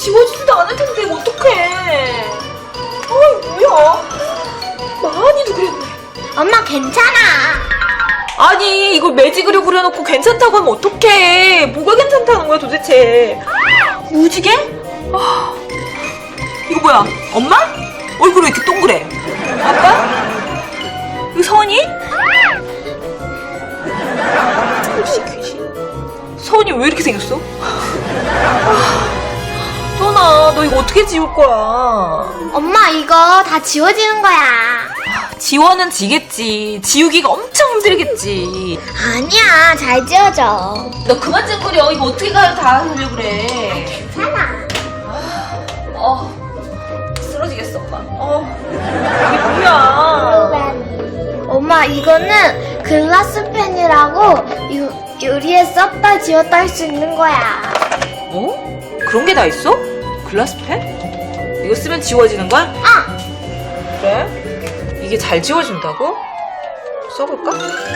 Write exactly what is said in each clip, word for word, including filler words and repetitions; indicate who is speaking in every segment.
Speaker 1: 지워지지도 않을 텐데 어떡해. 어이 뭐야. 많이도 그랬네.
Speaker 2: 엄마 괜찮아.
Speaker 1: 아니 이걸 매직으로 그려놓고 괜찮다고 하면 어떡해. 뭐가 괜찮다는 거야 도대체. 무지개? 아, 이거 뭐야? 엄마? 얼굴이 왜 이렇게 동그래? 아빠? 이거 선이? 혹시 귀신? 선이 왜 이렇게 생겼어? 선아 너 이거 어떻게 지울 거야?
Speaker 2: 엄마 이거 다 지워지는 거야.
Speaker 1: 지워는 지겠지. 지우기가 엄청 힘들겠지.
Speaker 2: 아니야, 잘 지워져.
Speaker 1: 너 그만 좀 그려. 이거 어떻게 가 다 하려고 그래.
Speaker 2: 괜찮아.
Speaker 1: 어, 쓰러지겠어 엄마. 어, 이게 뭐야?
Speaker 2: 엄마 이거는 글라스 펜이라고 유, 유리에 썼다 지웠다 할 수 있는 거야.
Speaker 1: 어? 그런 게 다 있어? 글라스 펜? 이거 쓰면 지워지는 거야?
Speaker 2: 아!
Speaker 1: 그래? 이게 잘 지워진다고? 써볼까?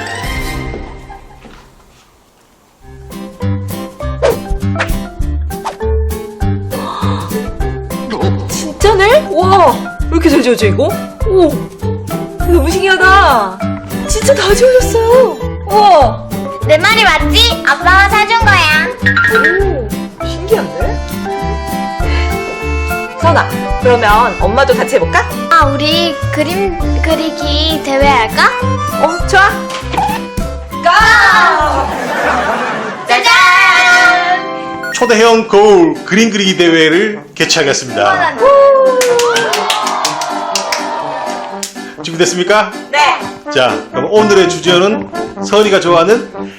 Speaker 1: 진짜네? 와, 왜 이렇게 잘 지워져 이거? 오, 너무 신기하다. 진짜 다 지워졌어요. 우와.
Speaker 2: 내 말이 맞지? 아빠가 사준 거야.
Speaker 1: 오, 신기한데? 선아, 그러면 엄마도 같이 해볼까?
Speaker 2: 아, 우리 그림 그리기 대회 할까?
Speaker 1: 어, 좋아. 고! 짜잔!
Speaker 3: 초대형 거울 그림 그리기 대회를 개최하겠습니다. 준비됐습니까?
Speaker 1: 네.
Speaker 3: 자, 그럼 오늘의 주제는 서은이가 좋아하는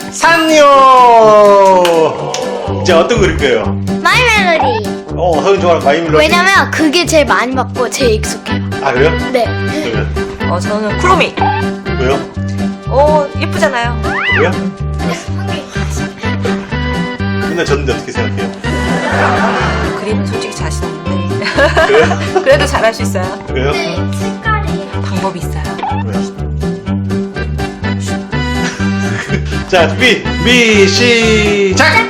Speaker 3: 산요. 이제 어떤 거 그릴 거예요?
Speaker 2: 마이 멜로디.
Speaker 3: 어, 서은이 좋아하는 마이밀러.
Speaker 2: 왜냐면 그게 제일 많이 받고 제일 익숙해요.
Speaker 3: 아, 그래요?
Speaker 2: 네.
Speaker 3: 그러면
Speaker 1: 어, 저는 쿠로미.
Speaker 3: 왜요?
Speaker 1: 어, 예쁘잖아요.
Speaker 3: 왜요? 맨날 졌는데 어떻게 생각해요?
Speaker 1: 그림은 솔직히 자신 없는데.
Speaker 3: 그래요?
Speaker 1: 그래도 잘할 수 있어요.
Speaker 3: 왜요?
Speaker 2: 색깔이.
Speaker 1: 방법이 있어요.
Speaker 3: 왜요? 자, 준비, 미, 시작!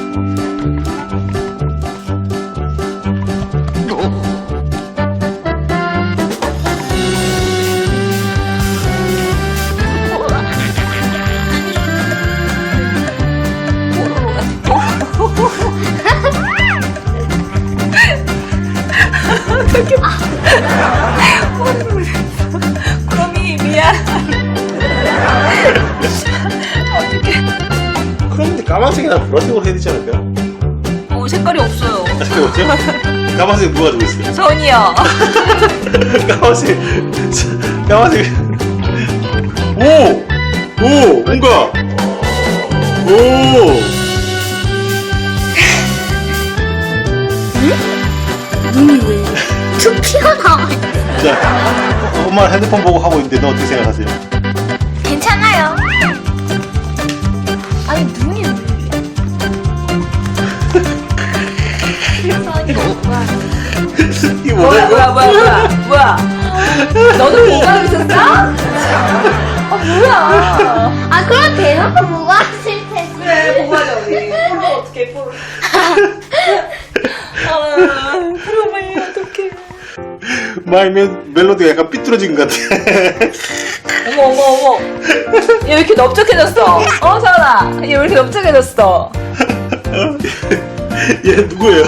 Speaker 1: 쿠로미, 미안. 어떡해.
Speaker 3: 그런데 까만색이나 보라색으로 해야 되지 않을까요?
Speaker 1: 어, 색깔이 없어요.
Speaker 3: 아, 색깔 없죠? 까만색 누가 가지고 있어요?
Speaker 1: 선이요.
Speaker 3: 까만색, 까만색. 오! 오! 뭔가! 오!
Speaker 2: 눈이 왜 툭 튀어나와.
Speaker 3: 자, 어, 엄마 핸드폰 보고 하고 있는데 너 어떻게 생각하세요?
Speaker 2: 괜찮아요. 아니 눈이 왜
Speaker 3: 이게
Speaker 1: 뭐야,
Speaker 3: 뭐야,
Speaker 1: 뭐야, 뭐야, 뭐야, 뭐야. 너도 공부하고 있었어? 아, 뭐야.
Speaker 2: 아 그럼 대놓고 뭐가 싫대.
Speaker 1: 그래, 공부하자, 우리. 포로 어떡해, 포로. 아, 그러면 어떡해.
Speaker 3: 마이 멜로디가 약간 삐뚤어진 것 같아.
Speaker 1: 어머, 어머, 어머. 얘 왜 이렇게 넓적해졌어? 어, 서은아. 얘 왜 이렇게 넓적해졌어?
Speaker 3: 얘 누구예요?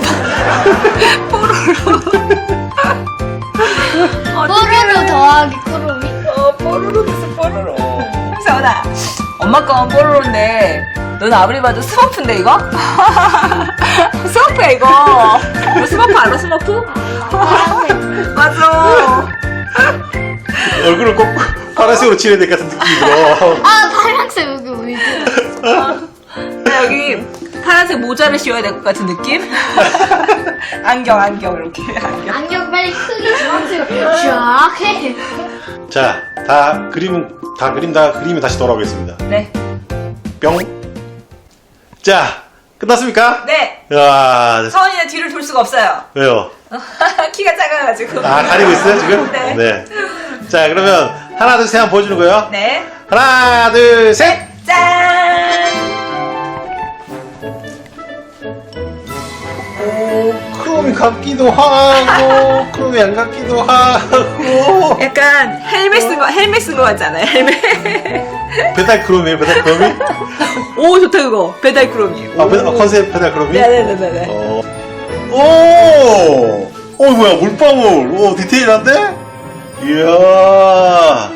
Speaker 2: 뽀로로 더하기 쿠로미.
Speaker 1: 어, 뽀로로 됐어, 뽀로로. 서은아, 엄마 건 뽀로로인데, 넌 아무리 봐도 스머프인데, 이거? 스머프야, 이거. 너 스머프 알아, 스머프? 맞아.
Speaker 3: 얼굴을 꼭 파란색으로 칠해야 될 것 같은 느낌이 들어.
Speaker 2: 아 파란색 여기 왜 들어?
Speaker 1: 나 여기 파란색 모자를 씌워야 될 것 같은 느낌? 안경, 안경, 이렇게. 안경.
Speaker 2: 안경 빨리 크게 주황색으로 쫙 해.
Speaker 3: 자, 다 그림, 다 그림 다 그리면 다시 돌아오겠습니다.
Speaker 1: 네.
Speaker 3: 뿅. 자, 끝났습니까?
Speaker 1: 네.
Speaker 3: 야,
Speaker 1: 서은이는 뒤를 돌 수가 없어요.
Speaker 3: 왜요?
Speaker 1: 키가 작아가지고.
Speaker 3: 아, 가리고 있어요, 지금?
Speaker 1: 네.
Speaker 3: 자, 그러면 하나, 둘, 셋 한번 보여주는 거예요.
Speaker 1: 네.
Speaker 3: 하나, 둘, 셋!
Speaker 1: 짠!
Speaker 3: 오, 같기도 하고 크롬이 안 같기도 하고.
Speaker 1: 약간 헬멧 쓴 거, 헬멧 쓴 거 같지 않아요? 헬멧.
Speaker 3: 배달 크롬이에요, 배달 크롬이?
Speaker 1: 오, 좋다, 그거. 배달 크롬이.
Speaker 3: 아, 배달, 아, 컨셉 배달 크롬이?
Speaker 1: 네네네네.
Speaker 3: 어. 오! 어, 뭐야, 물방울. 오, 디테일한데? 이야.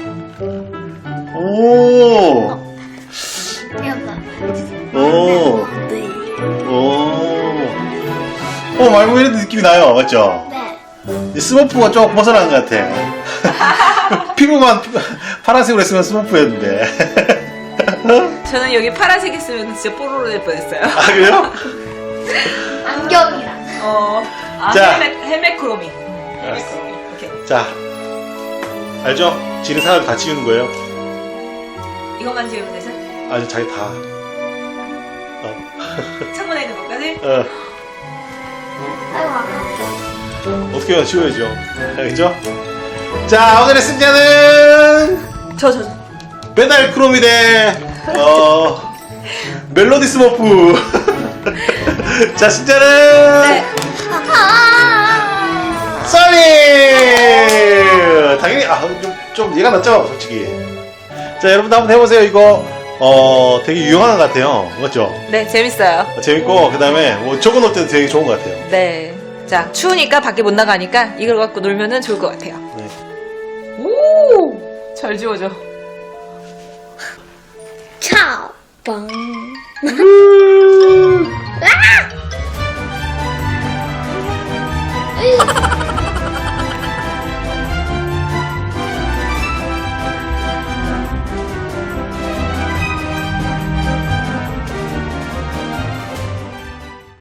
Speaker 3: 오.
Speaker 2: 이거
Speaker 3: 오.
Speaker 2: 네.
Speaker 3: 오. 어, 말고 이런 느낌이 나요. 맞죠?
Speaker 2: 네.
Speaker 3: 이 스머프가 조금 벗어난 것 같아. 피부만 파란색으로 했으면 스머프였는데.
Speaker 1: 저는 여기 파란색 했으면 진짜 뽀로로 될 뻔했어요.
Speaker 3: 아, 그래요?
Speaker 2: 안경이랑.
Speaker 1: 어, 아,
Speaker 3: 자.
Speaker 1: 헬멧, 헬멧 크롬이. 헬멧
Speaker 3: 알았어.
Speaker 1: 크롬이. 오케이.
Speaker 3: 자. 알죠? 지는 사람 다 지우는 거예요.
Speaker 1: 이것만 지우면 되죠?
Speaker 3: 아주 자기 다. 어.
Speaker 1: 창문에 있는 것까지?
Speaker 3: 어.
Speaker 2: 아이고, 아까.
Speaker 3: 어떻게 해요? 지워야죠. 알겠죠? 자, 오늘의 승자는
Speaker 1: 저, 저, 저.
Speaker 3: 배달 크롬이 대, 어, 멜로디 스머프. 자, 승자는
Speaker 1: 네.
Speaker 2: 아!
Speaker 3: 써니! 당연히, 아, 좀, 좀 얘가 낫죠? 솔직히. 자, 여러분도 한번 해보세요. 이거, 어, 되게 유용한 것 같아요. 맞죠?
Speaker 1: 네, 재밌어요.
Speaker 3: 재밌고, 그 다음에 뭐 적어놓을 때도 되게 좋은 것 같아요.
Speaker 1: 네. 자, 추우니까 밖에 못 나가니까 이걸 갖고 놀면은 좋을 것 같아요.
Speaker 3: 네.
Speaker 1: 오! 잘 지워져.
Speaker 2: 차오. 빵.
Speaker 3: 음.
Speaker 2: 아!